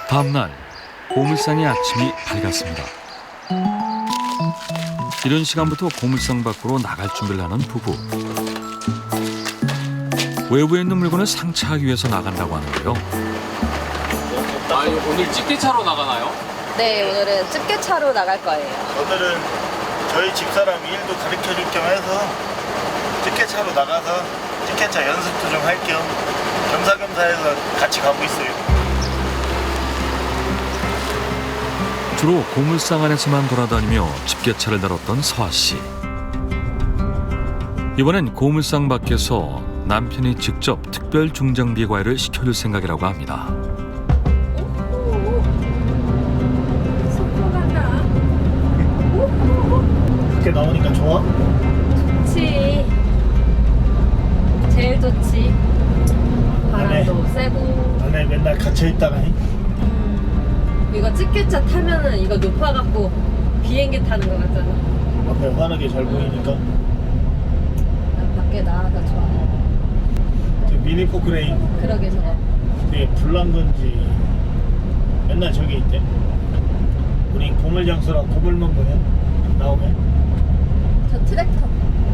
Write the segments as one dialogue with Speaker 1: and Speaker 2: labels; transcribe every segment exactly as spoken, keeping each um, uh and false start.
Speaker 1: 다음날 고물상의 아침이 밝았습니다. 이른 시간부터 고물상 밖으로 나갈 준비를 하는 부부. 외부에 있는 물건을 상차하기 위해서 나간다고 하는데요.
Speaker 2: 아, 오늘 집게차로 나가나요?
Speaker 3: 네, 오늘은 집게차로 나갈 거예요.
Speaker 4: 오늘은 저희 집사람 일도 가르쳐 줄 겸 해서 집게차로 나가서 집게차 연습도 좀 할 겸 겸사겸사 해서 같이 가고 있어요.
Speaker 1: 주로 고물상 안에서만 돌아다니며 집게차를 다뤘던 서아 씨. 이번엔 고물상 밖에서 남편이 직접 특별 중장비 과외를 시켜줄 생각이라고 합니다.
Speaker 4: 이렇게 나오니까 좋아?
Speaker 3: 좋지. 제일 좋지. 바람도 세고.
Speaker 4: 안에 맨날 갇혀 있다가
Speaker 3: 이거 집게차 타면은 이거 높아갖고 비행기 타는 거 같잖아.
Speaker 4: 앞에 환하게 잘 보이니까.
Speaker 3: 난 밖에 나와서 좋아.
Speaker 4: 저 미니 포크레인
Speaker 3: 그러게 저거.
Speaker 4: 되게 불난 건지 맨날 저기 있대. 우리 고물장수랑 고물만 보면 나오면.
Speaker 3: 저 트랙터.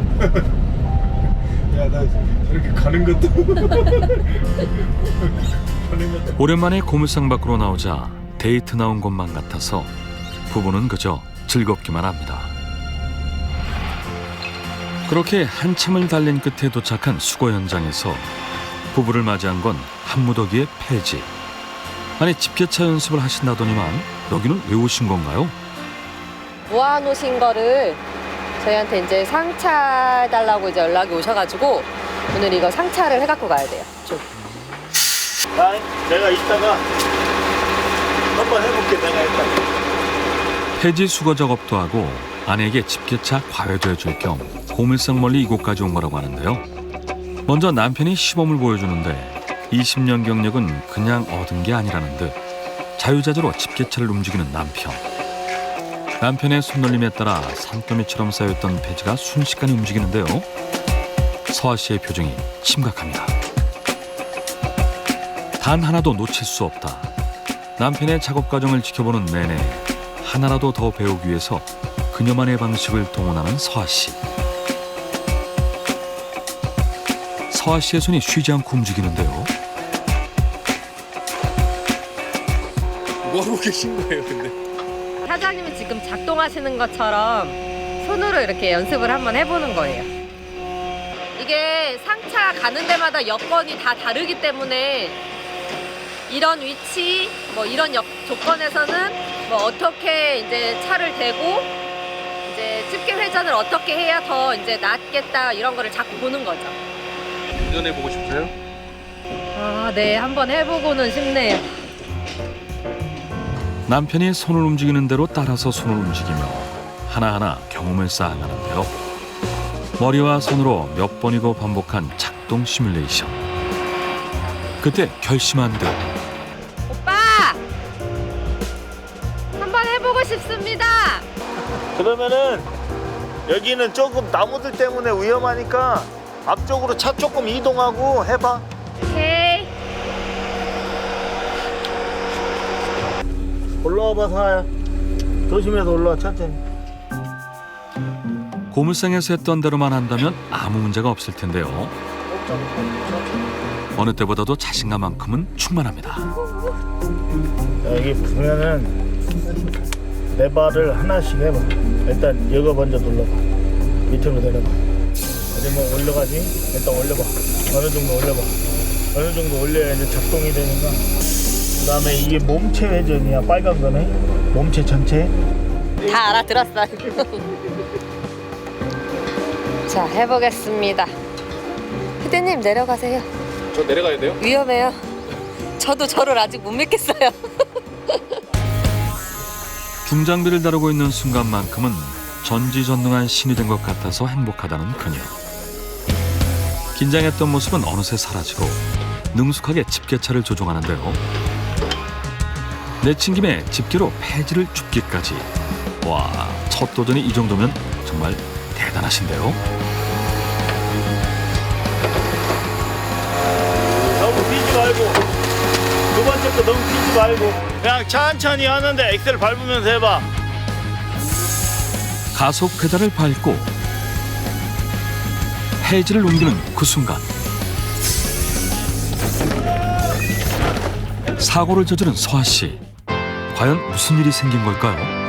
Speaker 4: 야, 나 저렇게 가는 것도 가는 것도
Speaker 1: 오랜만에 고물상 밖으로 나오자 데이트 나온 것만 같아서 부부는 그저 즐겁기만 합니다. 그렇게 한참을 달린 끝에 도착한 수거 현장에서 부부를 맞이한 건 한무더기의 폐지. 아니 집게차 연습을 하신다더니만 여기는 왜 오신 건가요?
Speaker 3: 모아놓으신 거를 저희한테 이제 상차해달라고 이제 연락이 오셔가지고 오늘 이거 상차를 해갖고 가야 돼요. 좀.
Speaker 4: 아, 내가 이따가 한번 해볼게. 내가 이따가.
Speaker 1: 폐지 수거 작업도 하고 아내에게 집게차 과외도 해줄 겸 고물상 멀리 이곳까지 온 거라고 하는데요. 먼저 남편이 시범을 보여주는데 이십 년 경력은 그냥 얻은 게 아니라는 듯 자유자재로 집게차를 움직이는 남편. 남편의 손놀림에 따라 산더미처럼 쌓였던 폐지가 순식간에 움직이는데요. 서아 씨의 표정이 심각합니다. 단 하나도 놓칠 수 없다. 남편의 작업 과정을 지켜보는 내내 하나라도 더 배우기 위해서 그녀만의 방식을 동원하는 서아 씨. 서아 씨의 손이 쉬지 않고 움직이는데요.
Speaker 2: 뭐 하고 계신 거예요, 근데?
Speaker 3: 사장님이 지금 작동하시는 것처럼 손으로 이렇게 연습을 한번 해보는 거예요. 이게 상차 가는 데마다 여건이 다 다르기 때문에 이런 위치, 뭐 이런 여, 조건에서는 뭐 어떻게 이제 차를 대고 이제 집게 회전을 어떻게 해야 더 이제 낫겠다 이런 거를 자꾸 보는 거죠.
Speaker 2: 운전해 보고 싶으세요?
Speaker 3: 아, 네, 한번 해보고는 싶네요.
Speaker 1: 남편이 손을 움직이는 대로 따라서 손을 움직이며 하나하나 경험을 쌓아가는데요. 머리와 손으로 몇 번이고 반복한 작동 시뮬레이션. 그때 결심한 듯
Speaker 3: 오빠! 한번 해보고 싶습니다.
Speaker 4: 그러면은 여기는 조금 나무들 때문에 위험하니까 앞쪽으로 차 조금 이동하고 해봐.
Speaker 3: 오케이.
Speaker 4: 올라와봐, 사야. 조심해서 올라와, 천천히.
Speaker 1: 고물상에서 했던 대로만 한다면 아무 문제가 없을 텐데요. 어느 때보다도 자신감만큼은 충만합니다.
Speaker 4: 여기 보면은 내 발을 하나씩 해봐. 일단 이거 먼저 눌러봐. 밑으로 내려봐. 아니면 올려가지? 일단 올려봐. 어느 정도 올려봐. 어느 정도 올려야 이제 작동이 되니까. 그 다음에 이게 몸체 회전이야. 빨간 거네. 몸체 전체.
Speaker 3: 다 알아들었어요. 자, 해보겠습니다. 희대님 내려가세요.
Speaker 2: 저 내려가야 돼요?
Speaker 3: 위험해요. 저도 저를 아직 못 믿겠어요.
Speaker 1: 중장비를 다루고 있는 순간만큼은 전지전능한 신이 된 것 같아서 행복하다는 그녀. 긴장했던 모습은 어느새 사라지고 능숙하게 집게차를 조종하는데요. 내친 김에 집게로 폐지를 줍기까지. 와, 첫 도전이 이 정도면 정말 대단하신데요.
Speaker 4: 너무 뛰지 말고 두 번째 속도라니까 너무 뛰지 말고 그냥 천천히 하는데 엑셀 밟으면서 해봐.
Speaker 1: 가속 페달을 밟고 해지를 옮기는 그 순간 사고를 저지른 서아 씨. 과연 무슨 일이 생긴 걸까요?